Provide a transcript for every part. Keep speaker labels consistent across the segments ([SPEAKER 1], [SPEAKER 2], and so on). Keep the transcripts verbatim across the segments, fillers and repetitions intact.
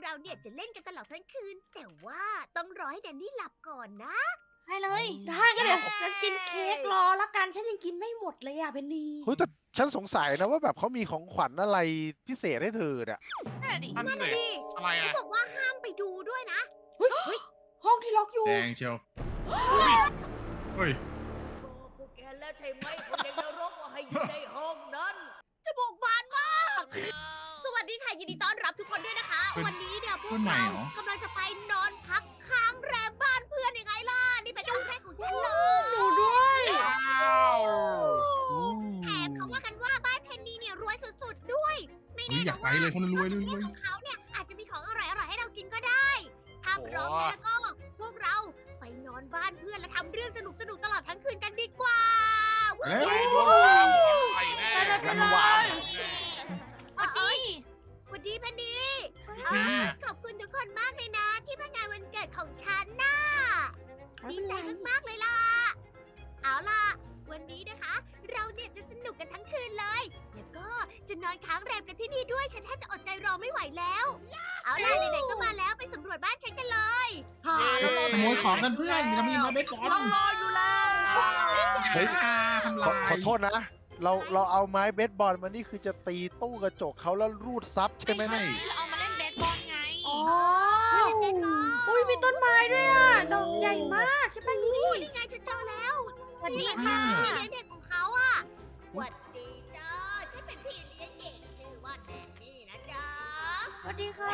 [SPEAKER 1] เราเนี่ยจะเล่นกันตลอดทั้งคืน แต่ว่าต้องรอให้แดนนี่หลับก่อนนะ
[SPEAKER 2] ได้เลย
[SPEAKER 3] ได้ก็เดี๋ยวฉันกินเค้กรอละกันฉันยังกินไม่หมดเลยอ่ะเพนนี
[SPEAKER 4] เฮ้ยแต่ฉันสงสัยนะว่าแบบเขามีของขวัญอะไรพิเศษให้เธอเนี่ย
[SPEAKER 2] นั่นแหละดิ
[SPEAKER 5] นั่น
[SPEAKER 1] นั่น
[SPEAKER 5] เล
[SPEAKER 1] น่ะ
[SPEAKER 5] ย
[SPEAKER 1] ดิ
[SPEAKER 5] อะไร
[SPEAKER 1] เขา
[SPEAKER 5] อ่ะ
[SPEAKER 1] บอกว่าห้ามไปดูด้วยนะ
[SPEAKER 3] เฮ้ยเฮ้ยห้องที่ล็อกอยู่
[SPEAKER 6] แดงเชียวเฮ้ย
[SPEAKER 1] บอกพวกแกแล้วใช่ไหมคนในนรกว่าให้อยู่ในห้องนั้นจมูกบานมาก สวัสดีค่ะยินดีต้อนรับทุกคนด้วยนะคะ
[SPEAKER 6] เพื่อน
[SPEAKER 1] วันนี้เนี่ยพว
[SPEAKER 6] เพื่
[SPEAKER 1] ก
[SPEAKER 6] อนใหม่
[SPEAKER 1] เรา
[SPEAKER 6] เหรอ
[SPEAKER 1] กำลังจะไปนอนพักค้างแรมบ้านเพื่อนยังไงล่ะ นี่เป็นครั้งแรกของฉันเลย
[SPEAKER 3] หนูด้วย
[SPEAKER 5] ว้าว
[SPEAKER 1] แถมเขาว่ากันว่าบ้านเพนนีเนี่ยรวยสุดๆด้วย ไม่
[SPEAKER 6] เฮ้
[SPEAKER 1] แน่
[SPEAKER 6] ยอยา
[SPEAKER 1] นะ
[SPEAKER 6] กไป
[SPEAKER 1] ว่า
[SPEAKER 6] เลยคนรวยรวยรวย
[SPEAKER 1] ของเขาเนี่ยอาจจะมีของอร่อยๆให้เรากินก็ได้ ถ้าพร้อมแล้วก็พวกเราไปนอนบ้านเพื่อนและทำเรื่องสนุกๆตลอดทั้งคืนกันดีกว่า
[SPEAKER 6] เอ้ย
[SPEAKER 5] ไปโดนตามไปแน่
[SPEAKER 3] ไปเลยไปเลย
[SPEAKER 1] เอ
[SPEAKER 2] ส
[SPEAKER 1] อ
[SPEAKER 2] วัส
[SPEAKER 1] เอ้
[SPEAKER 2] ดี
[SPEAKER 1] ยสวัสดีเพนนีเออขอบคุณทุกคนมากเลยนะ ที่มางานวันเกิดของฉันน่ะ ดีใจมากๆเลยล่ะ เอาล่ะ วันนี้นะคะ เราเนี่ยจะสนุกกันทั้งคืนเลย แล้วก็จะนอนค้างแรมกันที่นี่ด้วย ฉันแทบจะอดใจรอไม่ไหวแล้ว เอาล่ะไหนๆก็มาแล้วไปสำรวจบ้านฉันกันเลยฮ่าเรารอ
[SPEAKER 6] ขโมยของกันเพื่อนเรามีมาเบสบอล
[SPEAKER 1] เรารออยู่แล้ว
[SPEAKER 4] เฮ้ย
[SPEAKER 6] อ่าทำ
[SPEAKER 4] ขอ
[SPEAKER 6] ลาย
[SPEAKER 4] ขอโทษนะ เราเราเอาไม้เบสบอลมานี่คือจะตีตู้กระจกเขาแล้วรูดซับใช่ไหม
[SPEAKER 2] ไม่
[SPEAKER 4] เนี่ย
[SPEAKER 2] ใช่เราเอามาเล่นเบสบอลไง
[SPEAKER 3] อ๋อ
[SPEAKER 1] เล่นกันก่อน
[SPEAKER 3] อุ้ยมีต้นไม้ด้วยอ่ะดอกใหญ่มากใช่ปะนี่
[SPEAKER 1] นี่ไงฉันเจอแล้ว
[SPEAKER 2] สวัสดี
[SPEAKER 1] นี่
[SPEAKER 2] ค่ะ
[SPEAKER 1] พี่เลี้ยงเด็กของเขาอะหวัดดีจ้าฉันเป็นพี่เลี้ยงเด็กชื่อว่าแดนนี่นะจ๊ะ
[SPEAKER 3] สวัสดีค่ะ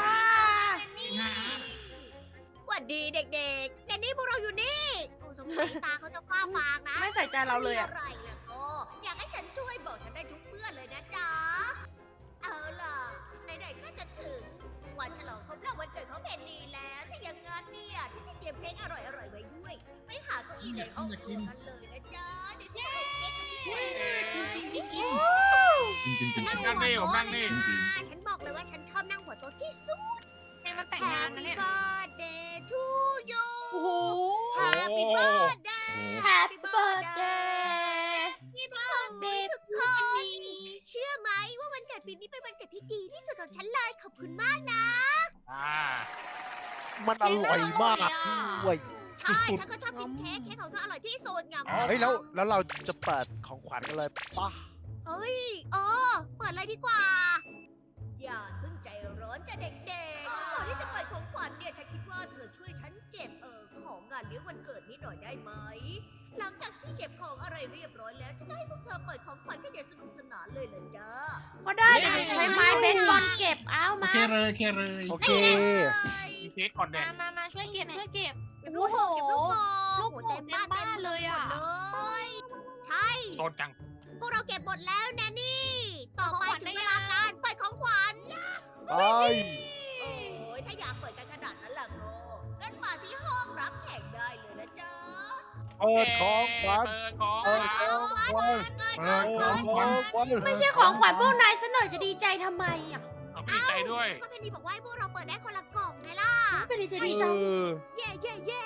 [SPEAKER 1] หวัดดีเด็กๆแดนนี่พวกเราอยู่นี่โอ้สงสัยตาเขาจะฟ้าฟางนะ
[SPEAKER 3] ไม่ใส่ใจเราเลยอ่ะ
[SPEAKER 1] มีอะไรล่ะก็อยากให้ฉันช่วยบอกฉันได้ทุกเมื่อเลยนะจ๊ะ เอาล่ะไหนๆก็จะถึงวันฉลองครบรอบวันเกิดของแดนนี่แล้วถ้าอย่างงั้นเนี่ยฉันจะเตรียมเพลงอร่อยๆไว้ด้วยไปหาเก้าอี้ในห้องครัวกันเลยนะจ๊ะเดี๋ยวฉันจะให้เค้กกับพี่ด้วย
[SPEAKER 6] กินกินกิน
[SPEAKER 1] นั่ง
[SPEAKER 5] นั่ง
[SPEAKER 1] หัว
[SPEAKER 5] นี่ผม
[SPEAKER 1] โต๊ะ
[SPEAKER 5] นั่ง
[SPEAKER 1] เลย
[SPEAKER 5] นี่
[SPEAKER 1] นะฉันบอกเลยว่าฉันชอบนั่งหัวโต๊ะที่สุด
[SPEAKER 2] เพลงมันแต่งงานนะ
[SPEAKER 1] Happy
[SPEAKER 2] เนี่ย
[SPEAKER 1] birthday to you
[SPEAKER 3] โอ้โห
[SPEAKER 1] Happy birthday
[SPEAKER 3] Happy birthday
[SPEAKER 1] Happy birthday ทุกคนเชื่อไหมว่าวันเกิดปีนี้เป็นวันเกิดที่ดีที่สุดของฉันเลยขอบคุณมากนะ
[SPEAKER 5] อ่า
[SPEAKER 4] มันอร่อยมากด้วย
[SPEAKER 1] ใช่ฉันก็ชอบกินเค้กเค้กของเธออร่อยที่สุดงาม
[SPEAKER 4] เฮ้ยแล้วแล้วเราจะเปิดของขวัญกันเลยป่ะ
[SPEAKER 1] เอ้ยเออเปิดเลยดีกว่า อย่าเพิ่งใจร้อนจะเด็กๆก่อนที่จะเปิดของขวัญเนี่ยฉันคิดว่าเธอช่วยฉันเก็บเออของงานเลี้ยงวันเกิดนี้หน่อยได้ไหม หลังจากที่เก็บของอะไรเรียบร้อยแล้วฉันจะให้พวกเธอเปิดของขวัญกันอย่างสนุกสนานเลยเหรอจ๊ะ
[SPEAKER 3] ก็ได้เดี๋ยวหนูใช้ไม้เบสบอลเก็บเอา
[SPEAKER 6] โอ
[SPEAKER 3] มา
[SPEAKER 6] เคเลยโอเคเลย
[SPEAKER 4] โอเค
[SPEAKER 5] มีเค้กก่อนแด
[SPEAKER 2] มาง มามาช่วยเก็บช่วยเก็บ
[SPEAKER 1] เก็บลูกโป่งเก็บลูกโป่ง
[SPEAKER 2] ลูกโป่ง
[SPEAKER 1] โอ้โหเต็มบ้าน
[SPEAKER 2] เต็มบ้าน
[SPEAKER 1] เต็ม
[SPEAKER 2] เลยอะ
[SPEAKER 1] หมดเลยใช่
[SPEAKER 5] โซนจัง
[SPEAKER 1] พวกเราเก็บหมดแล้วแนนนี่ ต่อไป
[SPEAKER 2] ของขวัญ
[SPEAKER 1] ถึง
[SPEAKER 2] ได้
[SPEAKER 1] เวลา
[SPEAKER 2] ยัง
[SPEAKER 1] การเปิดของขวัญ
[SPEAKER 4] ไป
[SPEAKER 1] โอ้ยถ้าอยากเปิดกันขนาดนั้นล่ะก็งั้นมาที่ห้องรับแขกได้เลยนะจ๊ะ
[SPEAKER 4] เปิดของขวัญ
[SPEAKER 5] เปิดของ
[SPEAKER 4] เปิด
[SPEAKER 5] ข
[SPEAKER 4] ข
[SPEAKER 5] วัญ
[SPEAKER 4] องขวัญ
[SPEAKER 1] เปิด
[SPEAKER 6] เปิด
[SPEAKER 1] ของ
[SPEAKER 6] ข
[SPEAKER 1] ขวั
[SPEAKER 6] อง
[SPEAKER 1] ญ
[SPEAKER 6] ขวัญ
[SPEAKER 3] ไม่ใช่ของขวัญพวกนายซะหน่อยจะดีใจทำไมอ่ะ
[SPEAKER 5] เอาไปดีใจด้วย
[SPEAKER 1] ก็เพนนีบอกว่าให้พวกเราเปิดได้คนละกล่องไงล่ะ
[SPEAKER 3] เป็นดีใจ
[SPEAKER 4] เอ
[SPEAKER 3] ดีจัง
[SPEAKER 4] อ
[SPEAKER 1] เย่เย่เย่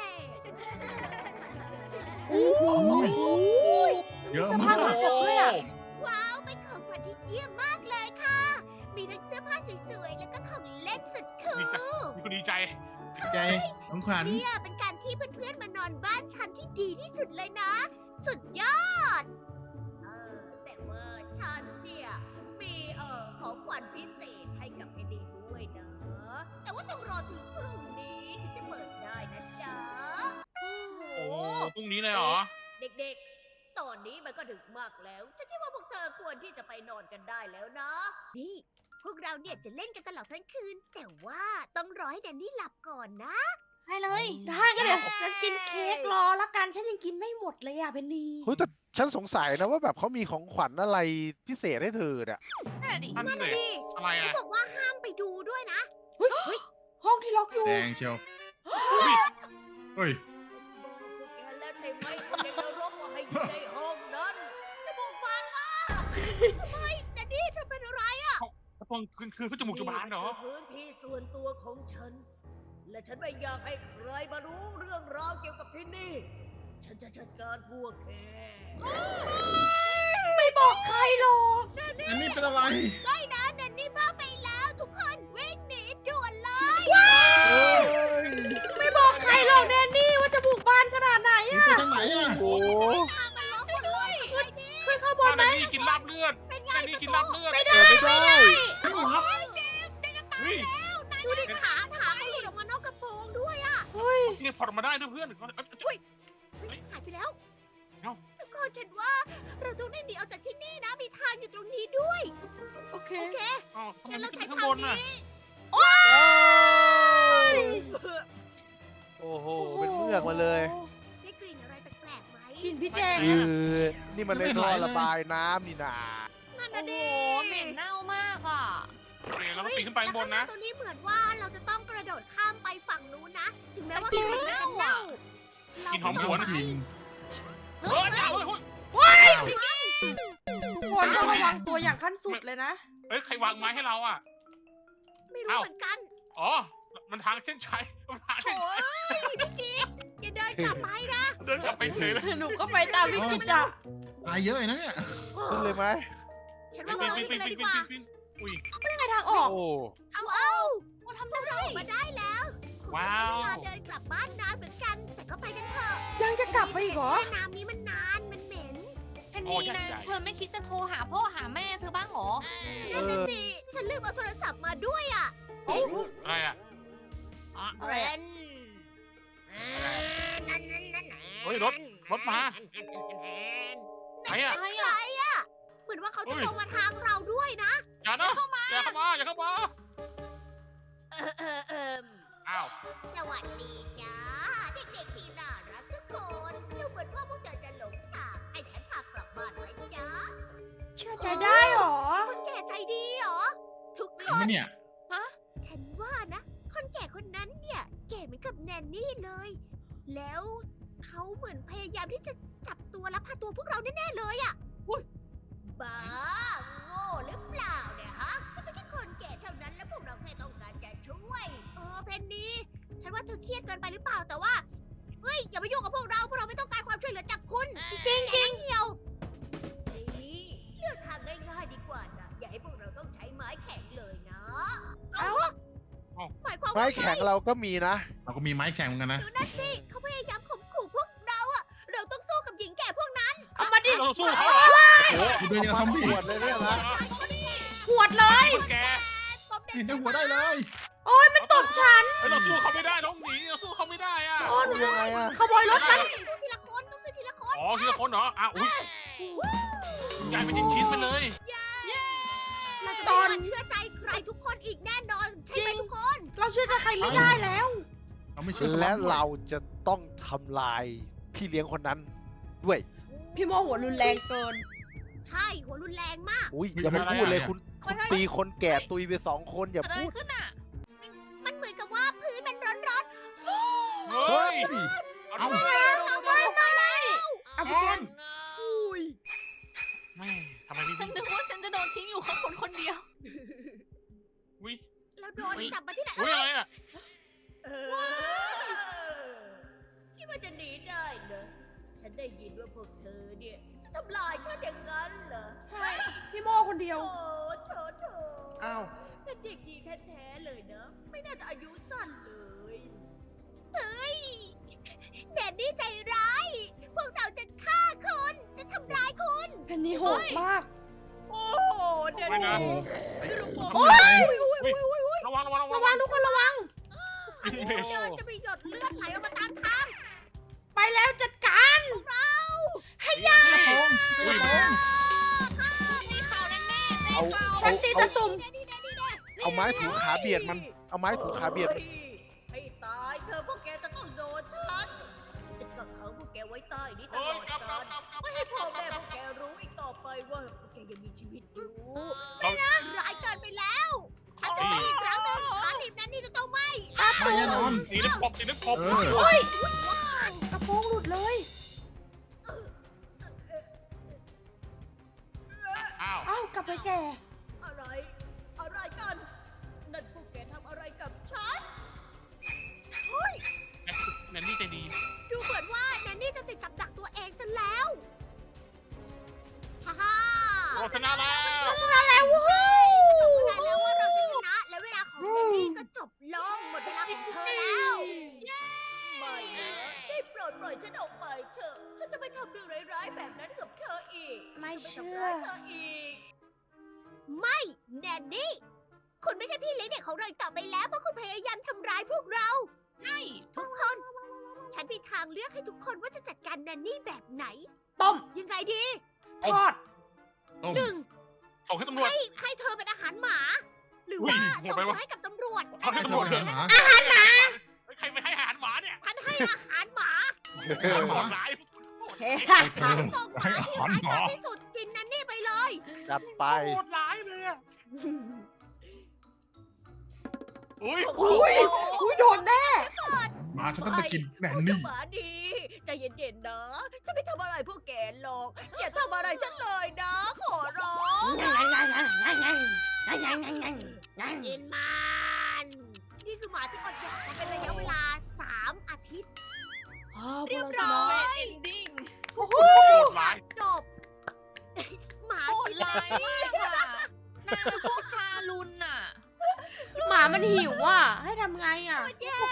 [SPEAKER 3] โอ้โห
[SPEAKER 6] เยอะ
[SPEAKER 3] ส
[SPEAKER 6] มา
[SPEAKER 3] ภาพส
[SPEAKER 6] ก
[SPEAKER 3] กปรกด้วยอ่ะ
[SPEAKER 1] ว้าวเป็นของขวัญที่เยี่ยมมากเลยค่ะ มีทั้งเสื้อผ้าสวยๆแล้วก็ของเล่นสุดคูล
[SPEAKER 5] มีคนดีใจ
[SPEAKER 6] ใจของขวัญ
[SPEAKER 1] เนี่ยเป็นการที่เพื่อนๆมานอนบ้านฉันที่ดีที่สุดเลยนะ สุดยอด เออแต่ว่าฉันเนี่ยมีเอ่อของขวัญพิเศษให้กับพี่ดีด้วยนะ แต่ว่าต้องรอถึงพรุ่งนี้ถึงจะเปิดได้นะจ๊ะ
[SPEAKER 5] โอ้พรุ่งนี้เลยเหรอ
[SPEAKER 1] เด็กๆ ตอนนี้มันก็ดึกมากแล้ว ฉันคิดว่าพวกเธอควรที่จะไปนอนกันได้แล้วนะ นี่ พวกเราเนี่ยจะเล่นกันตลอดทั้งคืน แต่ว่าต้องรอให้แดนนี่หลับก่อนนะ
[SPEAKER 2] ได้เลย
[SPEAKER 3] ได้ก็เดี๋ยวฉันกินเค้กรอละกันฉันยังกินไม่หมดเลยอ่ะเพนนี
[SPEAKER 4] เฮ้ยแต่ฉันสงสัยนะว่าแบบเขามีของขวัญอะไรพิเศษให้เธอเนี่ย
[SPEAKER 2] นั่นแหละดิ
[SPEAKER 5] นั่น
[SPEAKER 1] นั่น
[SPEAKER 5] เล
[SPEAKER 1] น่ะ
[SPEAKER 5] ย
[SPEAKER 1] ดิ
[SPEAKER 5] อะไร
[SPEAKER 1] เขา
[SPEAKER 5] อ่ะ
[SPEAKER 1] บอกว่าห้ามไปดูด้วยนะ
[SPEAKER 3] เฮ้ยเฮ้ยห้องที่ล็อกอยู่
[SPEAKER 6] แดงเชียวเฮ้ย
[SPEAKER 1] บอกพวกแกแล้วใช่ไหมคนในนรกว่าให้อยู่ในห้องนั้นจมูกบานมากทำไมแดนนี่เธอเป็นอะไร
[SPEAKER 5] ตรงคือคือเขาจมูกจะบานเหรอ
[SPEAKER 1] นี่คือพื้นที่ส่วนตัวของฉัน และฉันไม่อยากให้ใครมารู้เรื่องราวเกี่ยวกับที่นี่ ฉันจะจัดการพวกแก
[SPEAKER 3] ไม่บอกใครหรอก
[SPEAKER 6] อันนี้เป็นอะไร
[SPEAKER 1] ไม่นะแดนนี่บ้าไปแล้วทุกคนวิ่งหนีด่วนเลย
[SPEAKER 3] ว้
[SPEAKER 6] อ่ะ
[SPEAKER 4] โอ้โห
[SPEAKER 1] มันล็อกหมดเลยทำไงดี
[SPEAKER 3] ขึ้นข้างบน
[SPEAKER 5] เอา
[SPEAKER 3] ไหม
[SPEAKER 5] แนนนี่กินลาบเลือด
[SPEAKER 1] เป็นไง
[SPEAKER 5] แนนนี่กินลาบเลือด
[SPEAKER 4] เปิดไม่ได้
[SPEAKER 5] เฮ้ย
[SPEAKER 1] ดูดิขาขาเขาหลุดออกมานอกกระโปรงด้วยอะ
[SPEAKER 3] เฮ้ย
[SPEAKER 5] นี่พอดมาได้ด้วยเพื่อน
[SPEAKER 1] หายไปแล้ว
[SPEAKER 5] เอ้า
[SPEAKER 1] ทุกคนฉันว่าเราต้องได้หนีออกจากที่นี่นะ มีทางอยู่ตรงนี้ด้วย
[SPEAKER 3] โอเค
[SPEAKER 1] โอเค
[SPEAKER 5] เอ้าทำไม
[SPEAKER 1] งั้น
[SPEAKER 5] ไม่
[SPEAKER 1] เรา
[SPEAKER 5] ขึ้
[SPEAKER 1] ใช้
[SPEAKER 5] นข้าง
[SPEAKER 1] ทาง
[SPEAKER 5] บนน่ะ
[SPEAKER 1] นี้
[SPEAKER 4] โอ้โห เป็นเมือกมาเลย
[SPEAKER 1] ได้กลิ่นอะไรแปลกๆไหม
[SPEAKER 3] กินพี่แจง
[SPEAKER 4] เออนี่มันในท่อระบายน้ำนี่นา
[SPEAKER 1] นั่น
[SPEAKER 2] โอ้
[SPEAKER 1] นะ
[SPEAKER 2] โห
[SPEAKER 1] ดิ
[SPEAKER 2] เหม็นเน่ามากอ่ะ
[SPEAKER 5] โอเคเราก็ปีนขึ้นไปข้างบนนะ
[SPEAKER 1] แล้วข้างหาตรงนี้เหมือนว่าเราจะต้องกระโดดข้ามไปฝั่งนู้นนะ ถึงแม้ว่ากลิ่นมันจะเน่า
[SPEAKER 5] กินหอมหวน
[SPEAKER 6] จริง
[SPEAKER 5] เฮ้ยเฮ้ยเฮ้ย
[SPEAKER 3] ทุกคนต้องระวังตัวอย่างขั้นสุดเลยนะ
[SPEAKER 5] เฮ้ย ใครวางไม้ให้เราอ่ะ
[SPEAKER 1] ไม่รู้
[SPEAKER 5] เอ้า
[SPEAKER 1] เหมือนกัน
[SPEAKER 5] อ๋อ มันทางเส้นชัยมันทาง
[SPEAKER 1] โถ่
[SPEAKER 5] เส้นชัย
[SPEAKER 1] เอ้ยพี่กิ๊กอย่าเดินกลับไปนะ
[SPEAKER 5] เดินกลับไปเลยเลย
[SPEAKER 3] หนูก็ไปตามพี่กิจอะ
[SPEAKER 6] ตายเยอะเลยนะเนี่ย
[SPEAKER 4] ขึ้นเลยไหม
[SPEAKER 1] ฉัน
[SPEAKER 5] ปี
[SPEAKER 1] ว่าน เรา
[SPEAKER 5] ปีน
[SPEAKER 1] ไป
[SPEAKER 5] ปีน
[SPEAKER 1] เลย
[SPEAKER 5] ปีน
[SPEAKER 1] ดีก
[SPEAKER 5] ปีน
[SPEAKER 1] ว่า
[SPEAKER 5] ปีนอุ้ย
[SPEAKER 3] ไม่ได้ทางออก
[SPEAKER 4] โอ้
[SPEAKER 1] เอาเอาเราทำได้เราออกมาได้แล้วคงจะใช้เวลาเดินกลับบ้านนานเหมือนกัน แต่ก็ไปกันเถอะ
[SPEAKER 3] ยังจะกลับไปอีกเหรอ
[SPEAKER 1] แช่น้ำนี้มันนาน มันเหม็น
[SPEAKER 2] แผ่นนี้นะเธอไม่คิดจะโทรหาพ่อหาแม่เธอบ้างเหรอ
[SPEAKER 1] นั่นน่ะสิ ฉันลืมเอาโทรศัพท์มาด้วยอ่ะ
[SPEAKER 5] อะไรอ่ะ
[SPEAKER 1] เรน
[SPEAKER 5] เฮ้ยรถรถมาใครอ่ะ
[SPEAKER 2] อะไร
[SPEAKER 1] ใคร
[SPEAKER 2] อ่ะ
[SPEAKER 1] อ่ะ เหมือนว่าเขาจะ
[SPEAKER 5] เฮ้ย
[SPEAKER 1] ลงมาทางเราด้วยนะ
[SPEAKER 5] อย่านะอย่าเข้ามาอย่าเข้ามา
[SPEAKER 1] เออเออเออ
[SPEAKER 5] อ้าว
[SPEAKER 1] สวัสดีจ้าเด็กๆที่น่ารักทุกคนดูเหมือนว่าพวกเธอจะหลงทางให้ฉันพากลับบ้านไว้จ้า
[SPEAKER 3] เชื่อใจได้เหรอ
[SPEAKER 1] คนแก่ใจดีเหรอ ทุก
[SPEAKER 6] จ
[SPEAKER 1] ค
[SPEAKER 6] ริงไหม
[SPEAKER 1] น
[SPEAKER 6] เนี่ย
[SPEAKER 1] ฉันว่านะ คนแก่คนนั้นเนี่ยแก่เหมือนกับแนนนี่เลย แล้วเขาเหมือนพยายามที่จะจับตัวและพาตัวพวกเราแน่ๆเลยอะ่ะอุ้ยบ้า โง่หรือเปล่าเนี่ยฮะฉันเป็นแค่คนแก่เท่านั้นแล้วพวกเราแค่ต้องการจะช่วย เออเพนนีฉันว่าเธอเครียดเกินไปหรือเปล่าแต่ว่าเฮ้ยอย่ามายุ่งกับพวกเราพวกเราไม่ต้องการความช่วยเหลือจากคุณ จริงจริงจริงเหี่ยวนี่เลือกทางง่ายๆดีกว่านะอย่าให้พวกเราต้องใช้ไม้แข็งเลยนะ
[SPEAKER 3] เอ้า
[SPEAKER 1] หมายความ
[SPEAKER 4] ไม้
[SPEAKER 1] ว่า
[SPEAKER 4] แข็งเราก็มีนะ
[SPEAKER 6] เราก็มีไม้แข็งเหมือนกันนะ
[SPEAKER 1] ดูนั่นสิเขาพยายามข่มขู่พวกเราอะเราต้องสู้กับหญิงแก่พวกนั้น
[SPEAKER 3] เอามาดิ
[SPEAKER 5] เราสู้เขาเหรอ
[SPEAKER 4] โอ้
[SPEAKER 6] กูเดินอย่างกับซอมบี้
[SPEAKER 4] ปวดเลยเนี่ยนะ
[SPEAKER 3] หวดเลย
[SPEAKER 5] คนแก
[SPEAKER 1] ตบเด็ก
[SPEAKER 6] เห็นได้หัวได้เลย
[SPEAKER 3] โอ้ยมันตบฉัน
[SPEAKER 5] เฮ้ยเราสู้เขาไม่ได้น้องหนีเราสู้เขาไม่ได้อ่ะ
[SPEAKER 3] โอ้หนู
[SPEAKER 4] ยังไงอะ
[SPEAKER 3] ขโมยรถมัน
[SPEAKER 1] ต้องสู้ทีละคนต้องสู้ทีละคน
[SPEAKER 5] อ๋อทีละคนเหรออ่ะอุ้ยใหญ่เป็นชิ้นๆไปเลย
[SPEAKER 1] เราจะ
[SPEAKER 3] ตอน
[SPEAKER 1] ไม่มาเชื่อใจใครทุกคนอีกแน่นอนใช่ไหมทุกคน
[SPEAKER 3] เราเชื่อใจใครไม่ได้แล้ว
[SPEAKER 6] เราไม่เชื่อ
[SPEAKER 4] และเราจะต้องทำลายพี่เลี้ยงคนนั้นด้วย
[SPEAKER 3] พี่โมหัวรุนแรงเกิน
[SPEAKER 1] ใช่หัวรุนแรงมาก
[SPEAKER 4] อุ้ยอย่าไปพูดเลยคุณคุณตีคนแก่ตุยไปสองคนอย่า
[SPEAKER 2] เกิดอะไร
[SPEAKER 4] พูด
[SPEAKER 2] ขึ้นอ่ะ
[SPEAKER 1] มันเหมือนกับว่าพื้นมันร้อน
[SPEAKER 5] เฮ้ย
[SPEAKER 6] เอ้า
[SPEAKER 1] ๆไม่มาเลย
[SPEAKER 3] เอาพี่แจง
[SPEAKER 1] อุ้ย
[SPEAKER 5] แม่ทำไมพี่
[SPEAKER 2] ฉันนึกว่าฉันจะโดนทิ้งอยู่ข้างบนคนเดียว
[SPEAKER 5] อุ้ย
[SPEAKER 1] แล้วโดนจับมาที่ไหน
[SPEAKER 5] อุ้ยอะไรอ่ะ
[SPEAKER 1] เออคิดว่าจะหนีได้เหรอฉันได้ยินว่าพวกเธอเนี่ยจะทำลายฉันอย่างนั้นเหรอ
[SPEAKER 3] ใช่ พี่โมคนเดียว
[SPEAKER 1] โถโถโถ
[SPEAKER 4] อ้าว
[SPEAKER 1] เป็นเด็กดีแท้ๆเลยนะ ไม่น่าจะอายุสั้นเลย เฮ้ยแดนนี่ใจร้าย พวกเราจะฆ่าคุณ จะทำร้ายคุณ
[SPEAKER 3] เพนนีโหดมาก
[SPEAKER 1] โอ้โหแดน
[SPEAKER 5] ไม่นะ
[SPEAKER 1] นี่
[SPEAKER 6] โอ้ย
[SPEAKER 5] ระวังระวังระวั
[SPEAKER 3] ระ
[SPEAKER 5] ง
[SPEAKER 3] วังทุกคนระวัง
[SPEAKER 1] อันนี้เดินจะมีหยดเลือดไหลออกมาตามทาง
[SPEAKER 3] ไปแล้วจัดการ
[SPEAKER 1] เรา
[SPEAKER 6] ให้ยาทอง
[SPEAKER 5] อุ้ย
[SPEAKER 2] มีข่าวแน่ๆแน่
[SPEAKER 4] เอา
[SPEAKER 2] ข่าว
[SPEAKER 3] ฉันตีตะตุ่ม
[SPEAKER 1] นี่นี่นี่นี่
[SPEAKER 4] เอาไม้ถูขาเบียดมัน เอาไม้ถูขาเบียด
[SPEAKER 1] ให้ตายเธอพวกแกจะต้องโดนฉันจะกักขังพวกแกไว้ใต้นี้ต
[SPEAKER 5] เฮ้
[SPEAKER 1] ล
[SPEAKER 5] ย
[SPEAKER 1] อด
[SPEAKER 5] กลับกลั
[SPEAKER 1] กา
[SPEAKER 5] บ
[SPEAKER 1] ล
[SPEAKER 5] กลับกลับ
[SPEAKER 1] ไม่ให้พ่อแม่พวกแกรู้อีกต่อไปว่าพวกแกยังมีชีวิตอยู่
[SPEAKER 5] เรา
[SPEAKER 1] ร้ายเกินไปแล้ว ฉันจะตีอีกครั้งหนึ่งขาหนีบนั้นนี่จะต้องไหม
[SPEAKER 6] ไม่แน่นอน
[SPEAKER 5] ตีน้ำกบตีน้ำกบ
[SPEAKER 6] เออ
[SPEAKER 3] เฮ้ย
[SPEAKER 1] ว้าว
[SPEAKER 3] กระโปรงหลุดเลย
[SPEAKER 5] อ้าว
[SPEAKER 3] เอ้ากลับไปแก่
[SPEAKER 1] อะไร อะไรกัน นั่นพวกแกทำอะไรกับฉัน เฮ้ย
[SPEAKER 5] แนนนี่ใจดี
[SPEAKER 1] ดูเหมือนว่าแนนนี่จะติดกับดักตัวเองซะแล้ว ฮ่าฮ่า
[SPEAKER 5] โฆษณาแล้ว
[SPEAKER 3] ชนะแล้ววู้ฮู้
[SPEAKER 1] ฉันบอกพวกนายแล้วว่าเราจะชนะ และเวลาของแนนนี่ก็จบลง หมดเวลาของเธอแล้ว ไม่นะได้โปรดปล่อยฉันออกไปเถอะ ฉันจะไม่ทำเรื่องร้ายๆแบบนั้นกับเธออีก
[SPEAKER 3] ไม่
[SPEAKER 1] ฉัน
[SPEAKER 3] เชื่
[SPEAKER 1] จะ
[SPEAKER 3] อ
[SPEAKER 1] ทำร้ายเธออีก ไม่แนนนี่ คุณไม่ใช่พี่เลี้ยงเด็กของเราอีกต่อไปแล้วเพราะคุณพยายามทำร้ายพวกเรา
[SPEAKER 2] ใช่
[SPEAKER 1] ทุกคน ฉันมีทางเลือกให้ทุกคนว่าจะจัดการแนนนี่แบบไหน
[SPEAKER 3] ต้ม
[SPEAKER 1] ยังไงดี
[SPEAKER 3] ทอด
[SPEAKER 6] ต้ม
[SPEAKER 1] หนึ่ง
[SPEAKER 5] ส่งให้ตำรวจ
[SPEAKER 1] ให้ให้เธอเป็นอาหารหมา หรือ
[SPEAKER 5] อุ้ย
[SPEAKER 1] ว่า
[SPEAKER 5] โหด
[SPEAKER 1] ส่ง
[SPEAKER 5] ไป
[SPEAKER 1] เธ
[SPEAKER 5] วะ
[SPEAKER 1] อให้กับตำรวจ
[SPEAKER 5] เอาให้ตำรวจเลย
[SPEAKER 6] หมา
[SPEAKER 5] อาหารหมาใครไปให้อาหารหมาเนี่ย
[SPEAKER 1] ฉันให้อาหารหมา
[SPEAKER 5] โหดร้าย
[SPEAKER 3] เฮ้
[SPEAKER 1] ฉันส่งหมาที่ร้ายกาจที่สุดกินแนนนี่ไปเลย
[SPEAKER 4] จัดไป
[SPEAKER 5] โหดร้ายเลยอะอุ้ย
[SPEAKER 3] อุ้ยอุ้ยโดนแน่
[SPEAKER 6] หมาฉันต้องไปกินแนนนี่
[SPEAKER 1] หมาดีใจเย็นๆนะ ฉันไม่ทำอะไรพวกแกหรอก อย่าทำอะไรฉันเลยนะ ขอร้องกินมัน นี่คือหมาที่อดอยากมาเป็นระยะเวลาสามอาทิตย์ เรียบร้อย
[SPEAKER 2] เอนดิ้ง
[SPEAKER 3] โอ้โห
[SPEAKER 5] โหดร้าย
[SPEAKER 1] จบ หมา
[SPEAKER 2] โหด
[SPEAKER 1] กิน
[SPEAKER 2] ร้ายมากอะนางเป็นพวกทารุณน่ะ
[SPEAKER 3] หมามันหิวอ่ะ ให้ทำไงอ่ะ
[SPEAKER 1] แย่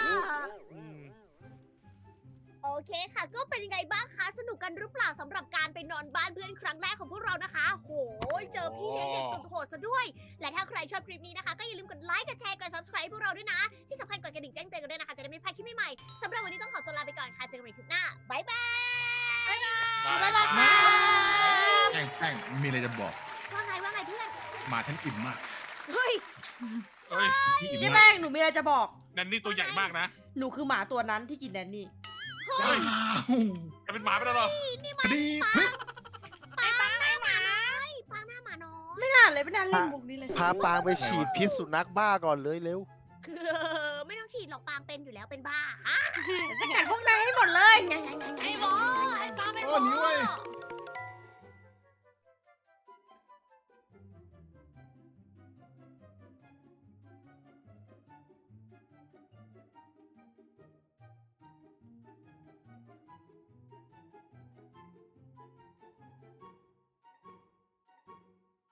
[SPEAKER 1] โอเคค่ะ ก็เป็นยังไงบ้างคะ สนุกกันหรือเปล่าสำหรับการไปนอนบ้านเพื่อนครั้งแรกของพวกเรานะคะ โหยเจอพี่เลี้ยงเด็กสุดโหดซะด้วย และถ้าใครชอบคลิปนี้นะคะ ก็อย่าลืมกดไลค์ กดแชร์ กด subscribe พวกเราด้วยนะ ที่สำคัญกดกระดิ่งแจ้งเตือนกันด้วยนะคะ จะได้ไม่พลาดคลิปใหม่ๆสำหรับวันนี้ต้องขอตัวลาไปก่อนค่ะ เจอกันใหม่คลิปหน้า บ๊ายบาย
[SPEAKER 5] บ๊ายบาย
[SPEAKER 3] บ๊ายบาย
[SPEAKER 6] แป้งแป้งมีอะไรจะบอก
[SPEAKER 1] ว่าไงว่าไงเพื่อน
[SPEAKER 6] หมาฉันอิ่มมาก
[SPEAKER 1] เฮ้ย
[SPEAKER 5] เอ้ย
[SPEAKER 6] พี่อิ่ม
[SPEAKER 3] เจ๊
[SPEAKER 6] มา
[SPEAKER 3] แป้
[SPEAKER 6] ก
[SPEAKER 3] งหนูมีอะไรจะบอก
[SPEAKER 5] แนนนี่ตัวใหญ่มากนะ
[SPEAKER 3] หนูคือหมาตัวนั้นที่กินแนนนี่
[SPEAKER 5] เฮ้ยจะเป็นหมาไปแล้วเหรอ
[SPEAKER 6] คดีพลิก
[SPEAKER 1] ปางหน้าหมาน้อยปางหน้าหมาน้อย
[SPEAKER 3] ไม่น่าเลยไม่น่าเล่นมุกนี้เลย
[SPEAKER 4] พาปางไปฉีดพิษสุนัขบ้าก่อนเลยเร็ว
[SPEAKER 1] คือไม่ต้องฉีดหรอกปางเป็นอยู่แล้วเป็นบ้าฮะ
[SPEAKER 3] จะกัดพวกนายให้หมดเลย
[SPEAKER 2] ไอ้บอส